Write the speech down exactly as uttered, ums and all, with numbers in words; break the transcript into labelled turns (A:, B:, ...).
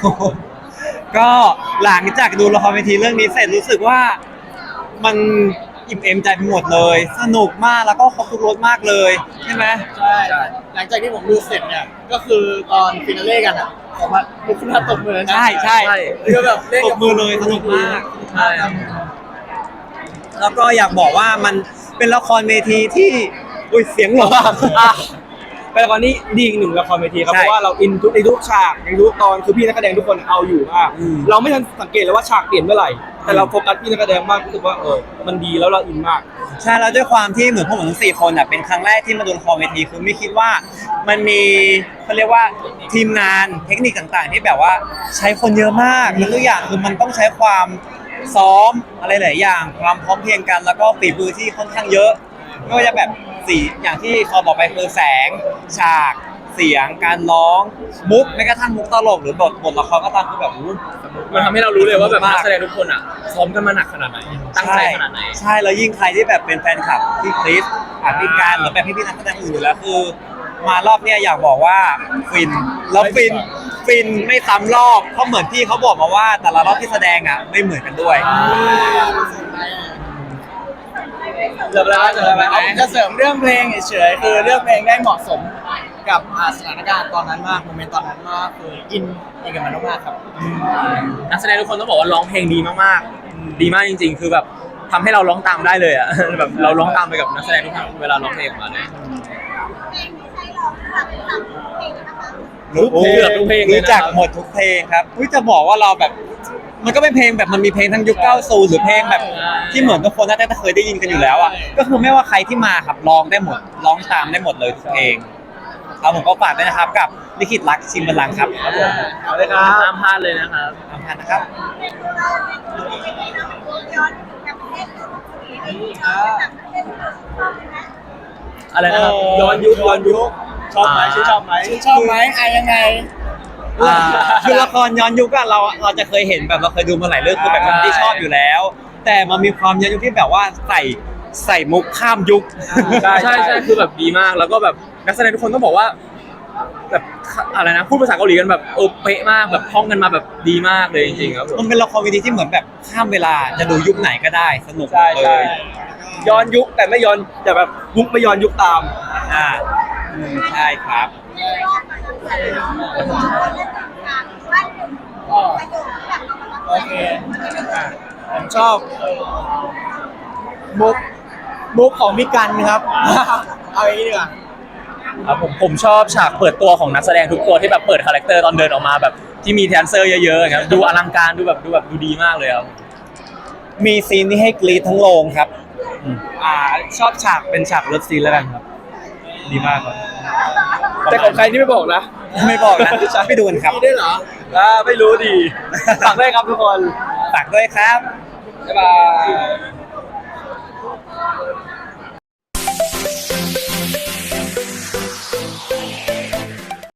A: ก็หลังจากดูละครเวทีเรื่องนี้เสร็จรู้สึกว่ามันอิ่มเอมใจไปหมดเลยสนุกมากแล้วก็ครบทุกรสมากเลยใช่ไหม
B: ใช่หลังจากที่ผมดูเสร็จเนี่ยก็คือตอนฟินาเล่กันอ่ะผมมาลุกขึ้นมาตบมือนะ
A: ใช่ใช่
B: คือแบบเล่น
A: ตบมือเลยสนุกมากใช่แล้วก็อยากบอกว่ามันเป็นละครเวทีที่อุ้ยเสียงหรอ
C: เป็นละครที่ดีอีกหนึ่งละครเวทีครับเพราะว่าเราอินทุกในทุกฉากในทุกตอนคือพี่นักแสดงทุกคนเอาอยู่มากเราไม่ทันสังเกตเลยว่าฉากเปลี่ยนเมื่อไหร่แต่เราโฟกัสพี่นักแสดงมากรู้สึกว่าเออมันดีแล้วเราอินมาก
A: ใช่แล้วด้วยความที่เหมือนพวกผมทั้งสี่คนอ่ะเป็นครั้งแรกที่มาดูละครเวทีคือไม่คิดว่ามันมีเขาเรียกว่าทีมงานเทคนิคต่างๆที่แบบว่าใช้คนเยอะมากแล้วทุกอย่างคือมันต้องใช้ความซ้อมอะไรหลายอย่างความพร้อมเพรียงกันแล้วก็ฝีมือที่ค่อนข้างเยอะไม่ว่าจะแบบสีอย่างที่เขาบอกไปคือแสงฉากเสียงการร้องมุกแม้กระทั่งมุกตลกหรือบทบทละครก็ตามคือแบบ
C: มันทำให้เรารู้เลยว่าแบบนักแสดงทุกคนอ่ะซ้อมกันมาหนักขนาดไหนตั้งใจขนาดไหน
A: ใช่แล้วยิ่งใครที่แบบเป็นแฟนคลับพี่คริสอ่ะพี่การหรือแบบพี่ๆนักแสดงอื่นอยู่แล้วคือมารอบเนี้ยอยากบอกว่าฟินแล้วฟินฟินไม่ซ้ำรอบเพราะเหมือนพี่เขาบอกมาว่าแต่ละรอบที่แสดงอ่ะไม่เหมือนกันด้วย
B: เสริมแล้วเสริมแล้วจะเสริมเรื่องเพลงเฉยๆคือเรื่องเพลงได้เหมาะสมกับสถานการณ์ตอนนั้นมากโมเมนต์ตอนนั้นมากคืออินอินกับมันมากครับ
C: นักแสดงทุกคนต้องบอกว่าร้องเพลงดีมากๆดีมากจริงๆคือแบบทำให้เราร้องตามได้เลยอ่ะแบบเราร้องตามไปกับนักแสดงทุกคนเวลาร้องเพลงออกมาเลย
A: รู้เกือบทุกเพลงรู้จักหมดทุกเพลงครับอุ้ยจะบอกว่าเราแบบมันก็เป็นเพลงแบบมันมีเพลงทั้งยุคเก้าสิบหรือเพลงแบบที่เหมือนทุกคนน่าจะเคยได้ยินกันอยู่แล้วอ่ะก็คือไม่ว่าใครที่มาครับร้องได้หมดร้องตามได้หมดเลยทุกเพลงเอาผมก็ฝากด้วยนะครับกับลิขิตรักชิมบัลลังก์ครับครับผม
C: เอาเลยครับห้ามพลาดเลยนะครับ
A: ห้ามพลาดนะครับ
C: อะไรนะครับ
B: ย้อนยุคย้อนยุคชอบไหมชื่นชอบไหมชื่นชอบไหมอ่ะยังไง
A: คือละครย้อนยุคอะเราเราจะเคยเห็นแบบเราเคยดูมาหลายเรื่องคือแบบที่ชอบอยู่แล้ว แต่มันมีความย้อนยุคที่แบบว่าใส่ใส่มุกข้ามยุค
C: ใช่ใช่ใช่คือแบบดีมากแล้วก็แบบนักแสดงทุกคนต้องบอกว่าแบบอะไรนะพูดภาษาเกาหลีกันแบบเออเป๊ะมากแบบท่องกันมาแบบดีมากเลยจริงๆครับ
A: มันเป็นละครวิดีที่เหมือนแบบข้ามเวลาจะดูยุคไหนก็ได้สนุกเลย
C: ย้อนยุคแต่ไม่ย้อนแต่แบบยุคไม่ย้อนยุคตาม
A: อ่าใช่ครับ
B: โอเคผมชอบมุกมุกของพี่กันครับเอาอย่างนี้ดีกว่า
C: ครับผมผมชอบฉากเปิดตัวของนักแสดงทุกตัวที่แบบเปิดคาแรคเตอร์ตอนเดินออกมาแบบที่มีแดนเซอร์เยอะๆครับดูอลังการดูแบบดูแบบดูดีมากเลยครับ
A: มีซีนที่ให้กรี๊ดทั้งโรงครับอ่าชอบฉากเป็นฉากเลิฟซีนแล้วกันครับดีมากครับ
C: แต่ของใครที่ไม่บอกนะ
A: ไม่บอกนะไปดูกันครับ
B: มีด้วยเหรอ
C: อ่าไม่รู้ดีฝากด้วยครับทุกคน
A: ฝากด้วยครับ
C: บ๊ายบาย